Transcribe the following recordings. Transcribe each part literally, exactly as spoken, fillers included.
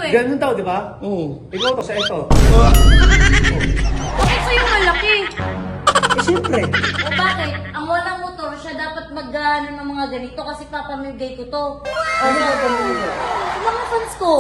eh. Ganun daw, di ba? Oo. Ikaw to sa ito. Ah, Bakit sa'yo malaki? Eh, siyempre. O bakit? Ang walang motor, siya dapat mag-ano ng mga ganito kasi papamigay ko to. Ano ba ito mo? Sa mga fans ko.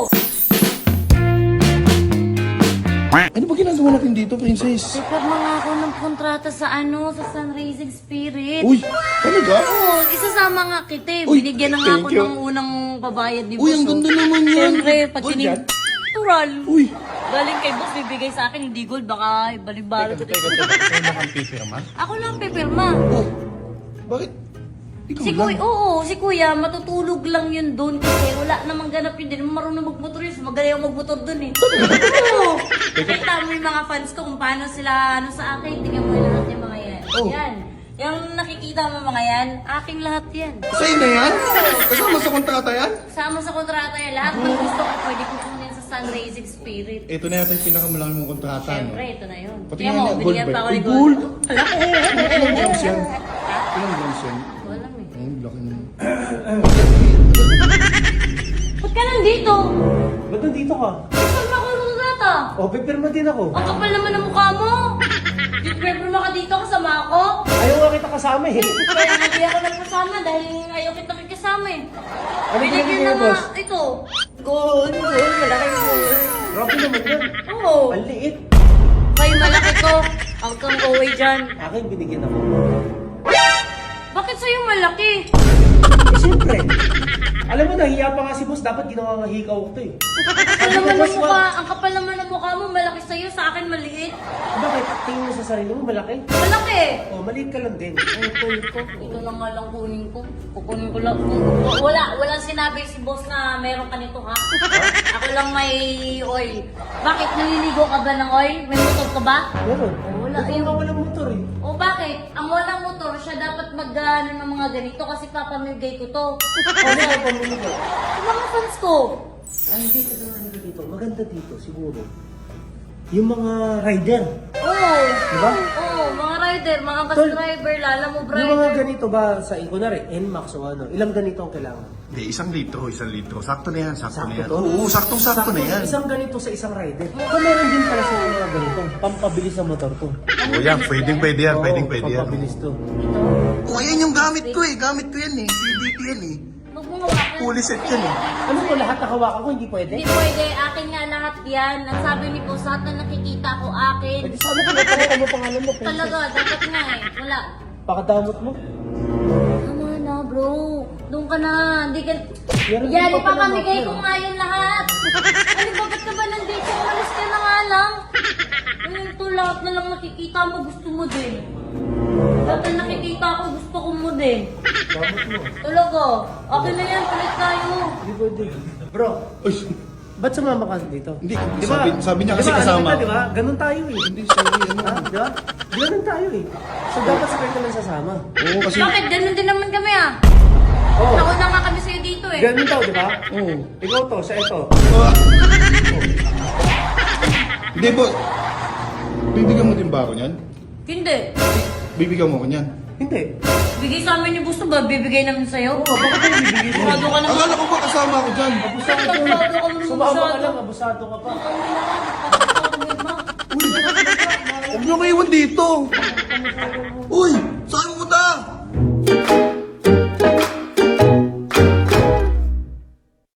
ano ba ginagawa natin dito, princess? Sipag mga ako ng kontrata sa ano, sa Sunrising Spirit. Uy, talaga? Oo, isasama nga kita eh. Uy, Binigyan na nga thank ako you. ng unang pabayad ni Uy, Boss. ang oh. ganda naman yan. Siyempre, pag Gold tinig... yan? Natural. Uy. Galing kay Boss, bibigay sa akin, hindi gold. Baka balibalo ko dito. Ikaw na kang pipirma? Ako lang pipirma. Oh, bakit? Ikaw Si lang. Kuya, oo, si Kuya, matutulog lang yun doon kasi wala namang ganap yun. Di naman marunong magmotor yun. Magaling ako magmotor doon eh. Oo. Kita mo yung mga fans ko kung paano sila ano sa akin. Tingnan mo yung lahat yung mga yan. Oh. Yan. Yung nakikita mo mga yan, aking lahat yan. Sa'yo na yan? Kasama sa kontrata yan? Sama sa kontrata yan. Lahat ng gusto ko pwede ko kunin sa Sunrising Spirit. Ito na yata yung pinakamalaki mong kontrata, no? Siyempre, ito na yun. Pati Tingnan nga mo, niya, binigyan gold pa ba? ako Uy, ni gold! Gold. Laki. Ilang grams yan? Ilang grams yan? Wala eh. Ang laki naman. Ba't ka nandito? Ba't nandito ka? Saan ako yung kontrata? O, pipirma din ako. Ang kapal naman ng mukha mo. Pipirma ka dito kasama ako. Ayaw nga kita kasama eh. Kaya hindi ako nagkasama dahil ayaw kita kasama eh. Ano Binigyan binigyan na niya, nga, boss? ito. Gold, gold, malaki gold. Grabe naman yan. Oo. Ang liit. Kay malaki ko. Huwag kang away dyan. Akin binigyan ako. Bakit sa'yo malaki? Eh, siyempre. Alam mo, nahiya pa nga si boss. Dapat ginawa nga hikaw ko to eh. Ang kapal naman ng mukha, ang kapal naman ng mukha mo, malaki sa'yo, sa akin maliit. Bakit? Tingin mo sa sarili mo, malaki. Malaki. O, maliit ka lang din. Ang cool ko. Ito na nga lang kunin ko. Kukunin ko lang. Wala, walang sinabi si boss na meron ka nito ha. Ako lang may oil. Bakit naliligo ka ba ng oil? May motor ka ba? Meron. Wala, Ikaw ayun. nga walang motor eh. O bakit? Ang walang motor, siya dapat mag-ano ng mga ganito kasi papamigay ko to. Ano ka pamili ko? Sa mga fans ko. Ang dito na ano dito. Maganda dito siguro. Yung mga rider. Oo. Diba? Oo, mga rider, mga bus Tol, driver, lala mo Yung mga driver. ganito ba sa kunwari, N MAX o ano, ilang ganito ang kailangan? Hindi, isang litro, isang litro. Sakto na yan, sakto, na Sakto yan. to? Oo, saktong-sakto na yan. Isang ganito sa isang rider. So meron din pala sa mga ganito. Pampabilis sa motor to. Oo yan, pwedeng pwede yan, Oo, pwedeng pwede yan. pampabilis to. Ito. Oo, yan yung gamit ko eh. Gamit ko yan eh. C D T yan eh. Huwag mo hawakan. Fully set yan eh. Ano ko lahat nakawakan ko, hindi pwede? Hindi pwede, akin nga lahat yan. Ang sabi ni Boss, lahat na nakikita ko akin. Pwede sana kung napalitan mo pangalan mo, princess. Talaga, dapat nga eh. Wala. Pakadamot mo. Tama na bro. Doon ka na. Hindi ka... Meron din Yan, pa pala ipapamigay mga ko nga yun lahat. Ano ba, ba't ka ba nandito? Umalis ka na nga lang. Ayun to, lahat na lang nakikita mo, gusto mo din. Lahat na nakikita ko, gusto ko mo din. Damot mo. Talaga. Okay na yan, palit tayo. Hindi pwede. Bro, Uy, ba't sumama ka dito? hindi. Di ba? Sabi, sabi niya kasi Di ba, ano kasama. kita, Di ba? Ganun tayo eh. Hindi, sabi ano. Ha? Di ba? Ganun tayo eh. So dapat sabay ka lang sasama. Oo, kasi... Bakit? Ganun din naman kami ah. Oo. Nauna nga kami sa'yo dito eh. Ganun daw, di ba? Oo. Ikaw to, sa ito. Ah. Hindi po. Bibigyan mo din ba ako niyan? Hindi. Bibigyan mo ako niyan. Hindi. Bigay sa amin yung gusto ba? Bibigay namin sa'yo? Oo, bakit tayo bibigyan mo? Sigurado ka naman. Akala ko ba kasama ako dyan? Abusado. Abusado ka naman, Sumama ka abusado. lang, abusado ka pa. Huwag niyo maiwan dito. Uy!